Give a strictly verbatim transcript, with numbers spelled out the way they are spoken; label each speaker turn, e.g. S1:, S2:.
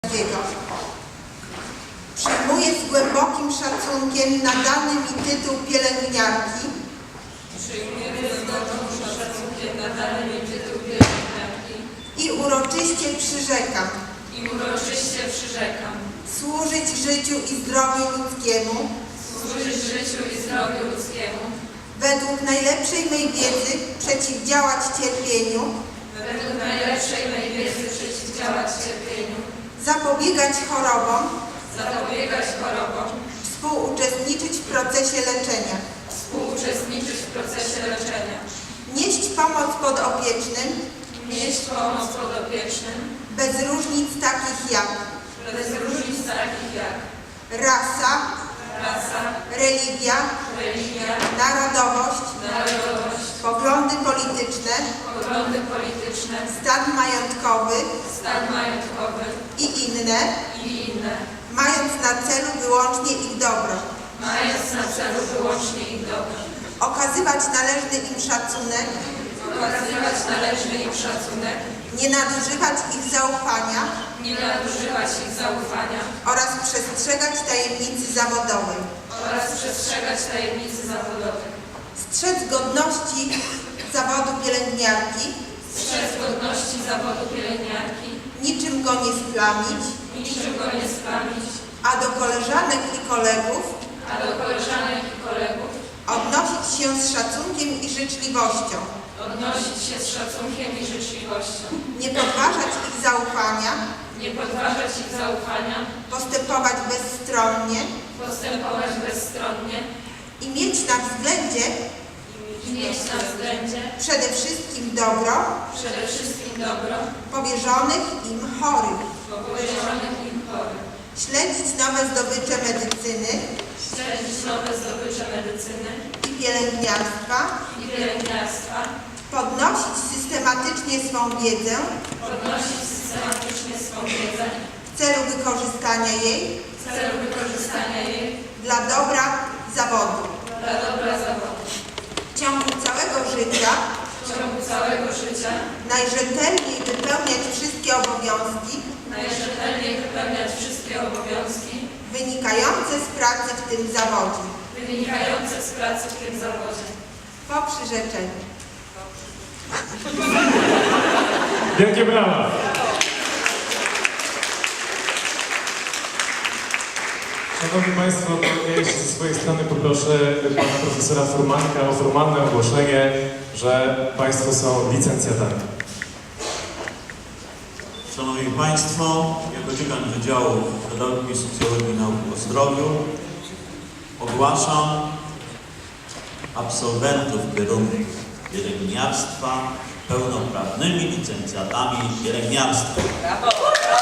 S1: Przyjmuję z głębokim szacunkiem nadany mi tytuł pielęgniarki
S2: Przyjmuję z głębokim szacunkiem nadany mi tytuł pielęgniarki
S1: i uroczyście przyrzekam
S2: i uroczyście przyrzekam
S1: służyć życiu i zdrowiu ludzkiemu
S2: służyć życiu i zdrowiu ludzkiemu
S1: według najlepszej mej wiedzy przeciwdziałać cierpieniu,
S2: według najlepszej mej wiedzy przeciwdziałać cierpieniu,
S1: zapobiegać chorobom,
S2: zapobiegać chorobom,
S1: współuczestniczyć w procesie leczenia,
S2: współuczestniczyć w procesie leczenia,
S1: nieść pomoc podopiecznym
S2: nieść pomoc podopiecznym,
S1: bez różnic takich jak
S2: bez różnic takich jak
S1: rasa,
S2: rasa,
S1: religia,
S2: religia,
S1: narodowość,
S2: narodowość,
S1: poglądy polityczne,
S2: poglądy polityczne,
S1: stan majątkowy
S2: stan majątkowy
S1: i inne,
S2: i inne,
S1: mając na celu wyłącznie ich dobro,
S2: mając na celu wyłącznie ich dobro,
S1: okazywać należny im szacunek,
S2: okazywać należny im szacunek,
S1: nie nadużywać ich zaufania
S2: nie nadużywać ich zaufania
S1: oraz przestrzegać tajemnicy zawodowej,
S2: oraz przestrzegać tajemnicy zawodowej,
S1: strzec godności zawodu pielęgniarki,
S2: strzec godności zawodu pielęgniarki,
S1: niczym go nie splamić,
S2: niczym go nie splamić,
S1: a do koleżanek i kolegów
S2: a do koleżanek i kolegów
S1: odnosić się z szacunkiem i życzliwością,
S2: odnosić się z szacunkiem i życzliwością,
S1: nie podważać ich zaufania,
S2: nie podważać ich zaufania,
S1: postępować bezstronnie
S2: postępować bezstronnie
S1: i mieć na względzie
S2: i mieć na względzie
S1: przede wszystkim dobro
S2: przede wszystkim dobro
S1: powierzonych im chorych,
S2: powierzonych im chorych,
S1: śledzić nowe zdobycze medycyny
S2: śledzić nowe zdobycze medycyny
S1: i pielęgniarstwa,
S2: i pielęgniarstwa,
S1: podnosić systematycznie swą wiedzę
S2: podnosić systematycznie swą wiedzę
S1: w celu wykorzystania jej
S2: w celu wykorzystania jej
S1: dla dobra zawodu.
S2: dla dobra zawodu.
S1: W ciągu całego życia
S2: W ciągu całego życia
S1: najrzetelniej wypełniać wszystkie obowiązki
S2: najrzetelniej wypełniać wszystkie obowiązki
S1: wynikające z pracy w tym zawodzie.
S2: wynikające z pracy w tym zawodzie.
S1: Po przyrzeczeniu.
S3: Wielkie brawa! Szanowni Państwo, to ja jeszcze ze swojej strony poproszę Pana Profesora Furmanka o formalne ogłoszenie, że Państwo są licencjatami.
S4: Szanowni Państwo, jako dziekan Wydziału Pedagogiki i Socjologii i Nauk o Zdrowiu ogłaszam absolwentów kierunku pielęgniarstwa pełnoprawnymi licencjatami pielęgniarstwa.
S2: Brawo!